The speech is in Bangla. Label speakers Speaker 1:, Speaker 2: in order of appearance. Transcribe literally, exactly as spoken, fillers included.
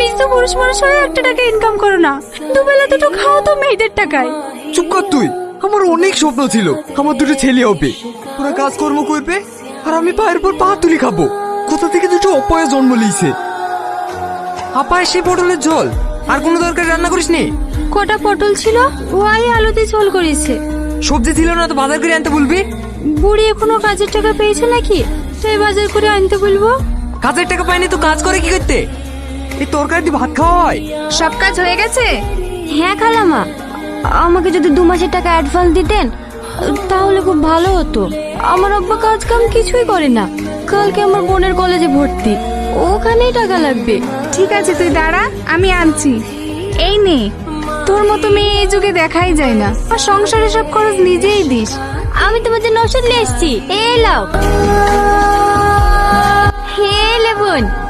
Speaker 1: তো পুরুষ মানুষ হয়ে একটা টাকা ইনকাম করো না, দুবেলা দুটো খাও তো মেয়েদের টাকায়।
Speaker 2: চুপ কর তুই। আমার অনেক স্বপ্ন ছিল আমার দুটো ছেলে হবে, ওরা কাজকর্ম করবে আর আমি পায়ের পর পা তুলি খাবো। কোথা থেকে দুটো অপয়া জন্ম লিয়েছে। আপায় সে পটলের ঝোল আর কোনো দরকার রান্না করিস নি?
Speaker 1: কটা পটল ছিল, ওয়াই আলুতে ঝোল করেছে।
Speaker 2: সবজি ছিল না তো বাজার করে আনতে বলবি।
Speaker 1: বুড়ি এখনো কাজের টাকা পেয়েছে নাকি, তাই বাজার করে আনতে বলবো।
Speaker 2: কাজের টাকা পাইনি তো কাজ করে কি করতে? এই তরকারি দিয়ে ভাত খাওয়া হয়?
Speaker 1: সব কাজ হয়ে গেছে?
Speaker 3: হ্যাঁ খালামা, আমাকে যদি দু মাসের টাকা অ্যাডভান্স দিতেন তাহলে খুব ভালো হতো। আমার আব্বা কাজ কাম কিছুই করে না, কালকে আমার বোনের কলেজে ভর্তি, ওখানেই টাকা লাগবে।
Speaker 1: ঠিক আছে তুই দাঁড়া, আমি আনছি। এই নে, তোর মতো মেয়ে এই যুগে দেখাই যায় না, আর সংসারে সব খরচ নিজেই দিস।
Speaker 3: আমি তোমার জন্য ওষুধ নিয়ে এসছি, এই লাও। হে লে বোন।